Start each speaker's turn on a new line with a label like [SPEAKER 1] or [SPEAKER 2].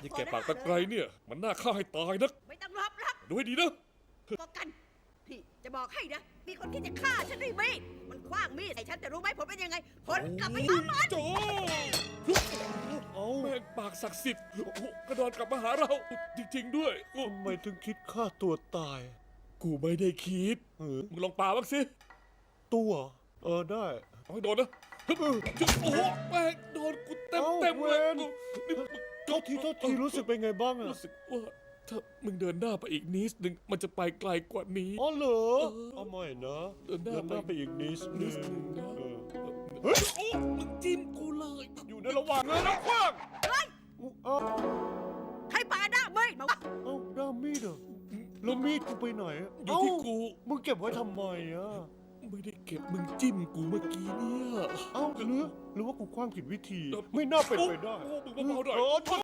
[SPEAKER 1] ที่แกปากตะไคร้เนี่ยมันน่าฆ่าให้ตายนัก
[SPEAKER 2] ไม่ต้องรับ
[SPEAKER 1] ดูให้ดีนะ
[SPEAKER 2] ก็กันนี่จะบอกให้นะมีคนคิดจะฆ่าฉันด้วยมีดมันคว้างมีดใส่ฉันแต่รู้ไหมผลเป็นยังไงผลกลับไปหามัน
[SPEAKER 1] โจแม่งปากศักดิ์สิทธิ์โอ้โหกระดอนกลับมาหาเราจริงๆด้วยโอ้
[SPEAKER 3] ทำไมถึงคิดฆ่าตัวตาย
[SPEAKER 1] กูไม่ได้คิด มึงลองปาบ้างสิ
[SPEAKER 3] ตัวได้
[SPEAKER 1] เอาให้โดนนะฮึบจึ๊บโอ้โหแม่งโดนกูเต็มเต็มเลย
[SPEAKER 3] เว้น
[SPEAKER 1] นี่
[SPEAKER 3] โทษทีรู้สึกเป็นไงบ้างอะ
[SPEAKER 1] รู้สึกว่าถ้ามึงเดินหน้าไปอีกนิดนึงมันจะไปไกลกว่านี้
[SPEAKER 3] อ๋อเหรอเอาใหม่นะ
[SPEAKER 1] เดินหน้า
[SPEAKER 3] ไปอีกนิด
[SPEAKER 1] นิ
[SPEAKER 3] นึ
[SPEAKER 1] ด
[SPEAKER 3] ง
[SPEAKER 1] นึงนะ
[SPEAKER 3] เฮ้ย
[SPEAKER 1] โอ้มึงจิ้มกูเลย
[SPEAKER 3] อยู่ในระหว่างเงินนะคว้าง
[SPEAKER 2] เฮ้ย
[SPEAKER 3] เอ้า
[SPEAKER 2] ใครปาหน้ามีดมาวะ
[SPEAKER 3] เอ้าด้ามมีดเหรอแล้วมีดกูไปไหนอะ
[SPEAKER 1] อยู่ที่กู
[SPEAKER 3] มึงเก็บไว้ทำไมอะ
[SPEAKER 1] ไม่ได้เก็บมึงจิ้มกูเมื่อกี้เนี่ย
[SPEAKER 3] เอ้าหรือว่ากูคว้างผิดวิธี ไม่น่าเป็นไปได้
[SPEAKER 1] โอ้มึงเบาๆหน่อย
[SPEAKER 3] โทษ